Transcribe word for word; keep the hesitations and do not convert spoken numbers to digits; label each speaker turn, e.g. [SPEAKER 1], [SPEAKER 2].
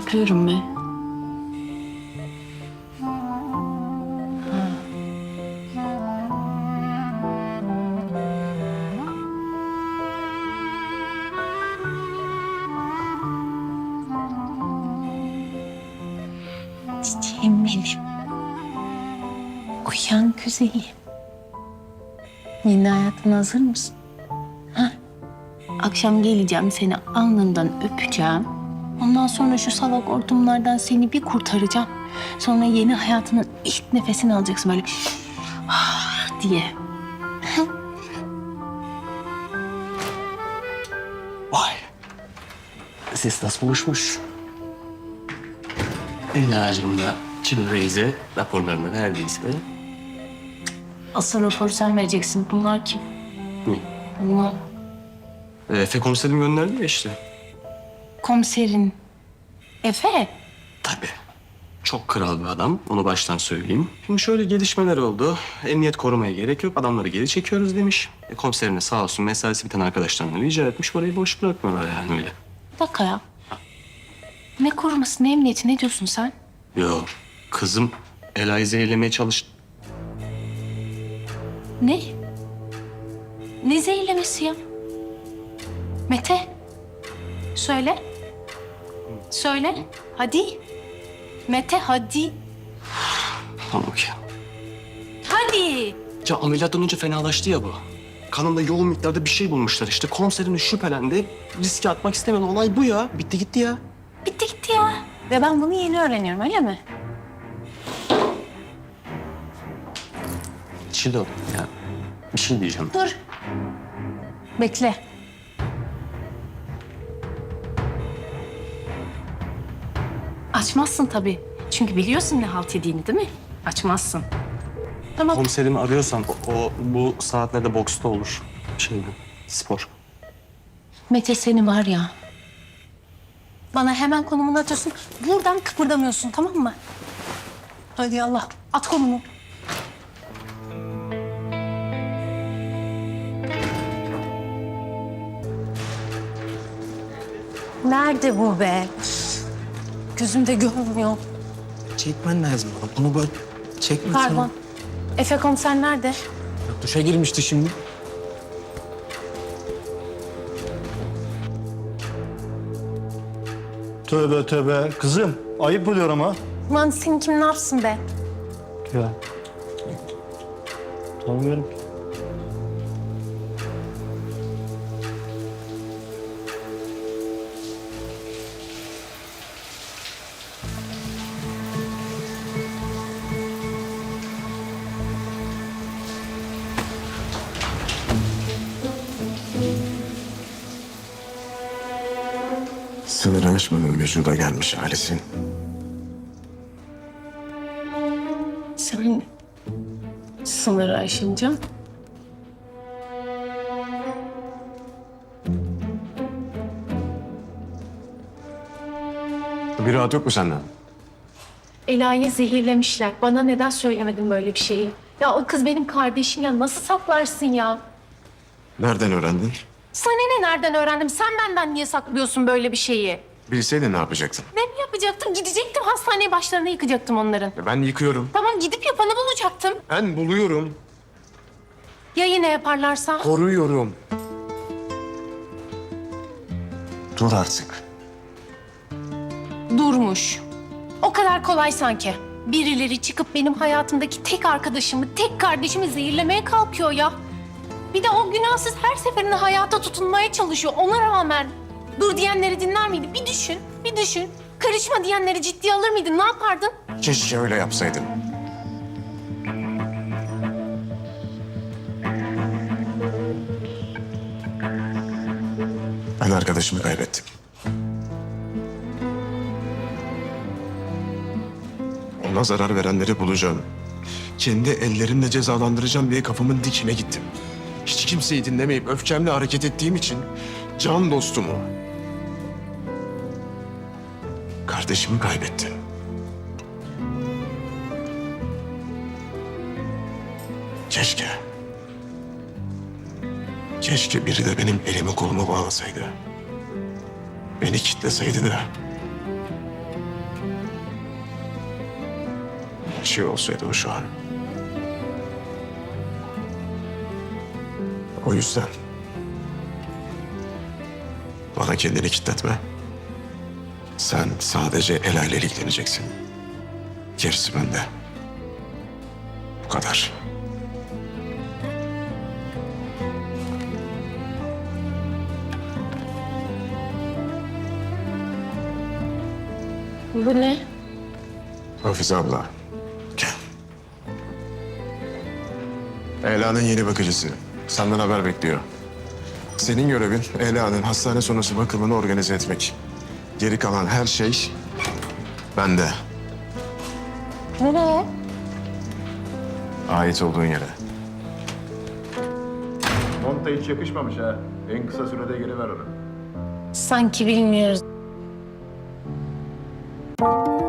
[SPEAKER 1] yapıyorum be. Çiçeğim benim. Uyan güzelim. Yeni hayatına hazır mısın? Ha? Akşam geleceğim, seni alnından öpeceğim. Ondan sonra şu salak hortumlardan seni bir kurtaracağım. Sonra yeni hayatının ilk nefesini alacaksın böyle ah diye.
[SPEAKER 2] Vay. Ses nasıl buluşmuş? Elacığım da Çin Reis'e raporlarını verdiyse.
[SPEAKER 1] Asıl raporu sen vereceksin. Bunlar kim?
[SPEAKER 2] Ne?
[SPEAKER 1] Bunlar
[SPEAKER 2] Efe komiserim gönderdi ya işte.
[SPEAKER 1] komiserin. Efe.
[SPEAKER 2] Tabii. Çok kral bir adam. Onu baştan söyleyeyim. Şimdi şöyle gelişmeler oldu. Emniyet korumaya gerek yok. Adamları geri çekiyoruz demiş. E, komiserim de sağ olsun mesaisi biten arkadaşlarına rica etmiş. Orayı boş bırakmıyorlar yani öyle.
[SPEAKER 1] Bir dakika ya. Ne koruması, ne emniyeti, ne diyorsun sen?
[SPEAKER 2] Yok. Kızım Ela'yı zehirlemeye çalıştı.
[SPEAKER 1] Ne? Ne zehirlemesi ya? Mete. Söyle. Söyle. Hadi. Mete hadi.
[SPEAKER 2] Tamam ki.
[SPEAKER 1] Hadi.
[SPEAKER 2] Ya ameliyattan önce fenalaştı ya bu. Kanında yoğun miktarda bir şey bulmuşlar işte. Komiserim de şüphelendi. Riske atmak istemedi. Olay bu ya. Bitti gitti ya.
[SPEAKER 1] Bitti gitti ya. Ve ben bunu yeni öğreniyorum, öyle mi?
[SPEAKER 2] Çilo ya. Bir şey diyeceğim.
[SPEAKER 1] Dur. Bekle. Açmazsın tabii. Çünkü biliyorsun ne halt yediğini değil mi? Açmazsın. Tamam.
[SPEAKER 2] Komiserimi arıyorsan o, o bu saatlerde boksta olur. Şeyde, spor.
[SPEAKER 1] Mete seni var ya. Bana hemen konumunu atıyorsun. Buradan kıpırdamıyorsun, tamam mı? Hadi Allah. At konumu. Nerede bu be? Gözümde görmüyor.
[SPEAKER 3] Çekmen lazım bana. Bunu böyle çekme.
[SPEAKER 1] Pardon. Efe komiser nerede?
[SPEAKER 3] Duşa girmişti şimdi.
[SPEAKER 4] Tövbe tövbe. Kızım ayıp oluyor ama.
[SPEAKER 1] Lan seni kim ne yapsın be?
[SPEAKER 4] Ya. Tanımıyorum ki.
[SPEAKER 5] Sınırı aşmanın vücuda gelmiş halisin.
[SPEAKER 1] Sen sınırı aşınca
[SPEAKER 5] Bir rahat yok mu senden?
[SPEAKER 1] Ela'yı zehirlemişler. Bana neden söylemedin böyle bir şeyi? Ya o kız benim kardeşim ya. Nasıl saklarsın ya?
[SPEAKER 5] Nereden öğrendin?
[SPEAKER 1] Sana ne nereden öğrendim? Sen benden niye saklıyorsun böyle bir şeyi?
[SPEAKER 5] Bilseydin ne yapacaktın?
[SPEAKER 1] Ne mi yapacaktım? Gidecektim hastaneye başlarına yıkacaktım onların.
[SPEAKER 5] Ben yıkıyorum.
[SPEAKER 1] Tamam gidip yapanı bulacaktım.
[SPEAKER 5] Ben buluyorum.
[SPEAKER 1] Ya yine yaparlarsa?
[SPEAKER 5] Koruyorum. Dur artık.
[SPEAKER 1] Durmuş. O kadar kolay sanki. Birileri çıkıp benim hayatımdaki tek arkadaşımı, tek kardeşimi zehirlemeye kalkıyor ya. Bir de o günahsız her seferinde hayata tutunmaya çalışıyor. Ona rağmen dur diyenleri dinler miydi? Bir düşün, bir düşün. Karışma diyenleri ciddiye alır mıydın? Ne yapardın?
[SPEAKER 5] Keşke öyle yapsaydın. Ben arkadaşımı kaybettim. Ona zarar verenleri bulacağım. Kendi ellerimle cezalandıracağım diye kafamın dikine gittim. Hiç kimseyi dinlemeyip öfkemle hareket ettiğim için can dostumu, kardeşimi kaybettim. Keşke. Keşke biri de benim elimi kolumu bağlasaydı. Beni kitleseydi de şey olsaydı o şu an. O yüzden bana kendini kilitletme. Sen sadece Ela ile ilgileneceksin. Gerisi bende. Bu kadar.
[SPEAKER 1] Bu ne?
[SPEAKER 5] Hafize abla. Gel. Ela'nın yeni bakıcısı. Senden haber bekliyor. Senin görevin Ela'nın hastane sonrası bakımını organize etmek. Geri kalan her şey bende.
[SPEAKER 1] Nereye?
[SPEAKER 5] Ait olduğun yere.
[SPEAKER 6] Monta hiç yakışmamış ha. En kısa sürede geri ver onu.
[SPEAKER 1] Sanki bilmiyoruz.